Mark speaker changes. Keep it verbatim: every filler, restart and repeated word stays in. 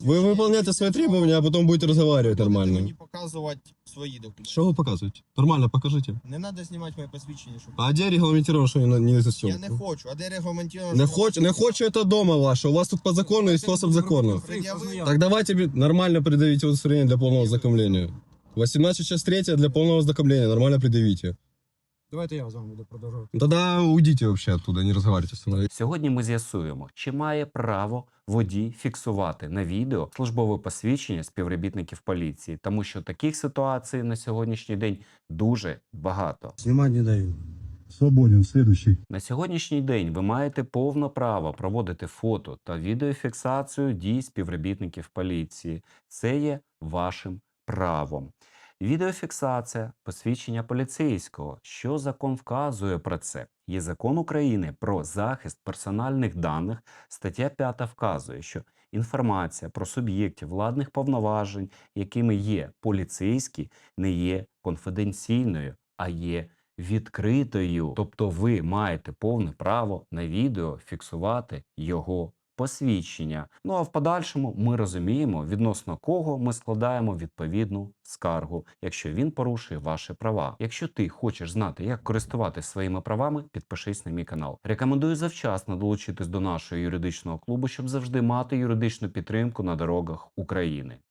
Speaker 1: Вы выполняете свои требования, а потом будете разговаривать
Speaker 2: Будете
Speaker 1: нормально.
Speaker 2: мені показувати свої документи.
Speaker 1: Что вы показываете? Нормально покажите.
Speaker 2: Не треба знімати моє посвідчення, щоб...
Speaker 1: А где регламентировано, что не, не за
Speaker 2: Я
Speaker 1: съемку?
Speaker 2: не хочу, а де регламентовано?
Speaker 1: Не хочу, не хочу, это дома ваше. У вас тут по закону и способ закону. Так давайте бі- нормально предъявите удостоверение для полного ознакомления. восемнадцать часть третья для полного ознакомления. Нормально предъявите.
Speaker 3: Давайте я з вами буду продовжувати.
Speaker 1: Тогда уйдите вообще оттуда, не разговаривайте со мной.
Speaker 4: Сьогодні ми з'ясуємо, чи має право водій фіксувати на відео службове посвідчення співробітників поліції, тому що таких ситуацій на сьогоднішній день дуже багато.
Speaker 1: Снимать не даю.
Speaker 5: Свободен. Следующий.
Speaker 4: На сьогоднішній день ви маєте повне право проводити фото та відеофіксацію дій співробітників поліції. Це є вашим правом. Відеофіксація посвідчення поліцейського. Що закон вказує про це? Є закон України про захист персональних даних. Стаття п'ята вказує, що інформація про суб'єктів владних повноважень, якими є поліцейські, не є конфіденційною, а є відкритою. Тобто ви маєте повне право на відео фіксувати його посвідчення. Ну а в подальшому ми розуміємо, відносно кого ми складаємо відповідну скаргу, якщо він порушує ваші права. Якщо ти хочеш знати, як користуватися своїми правами, підпишись на мій канал. Рекомендую завчасно долучитись до нашого юридичного клубу, щоб завжди мати юридичну підтримку на дорогах України.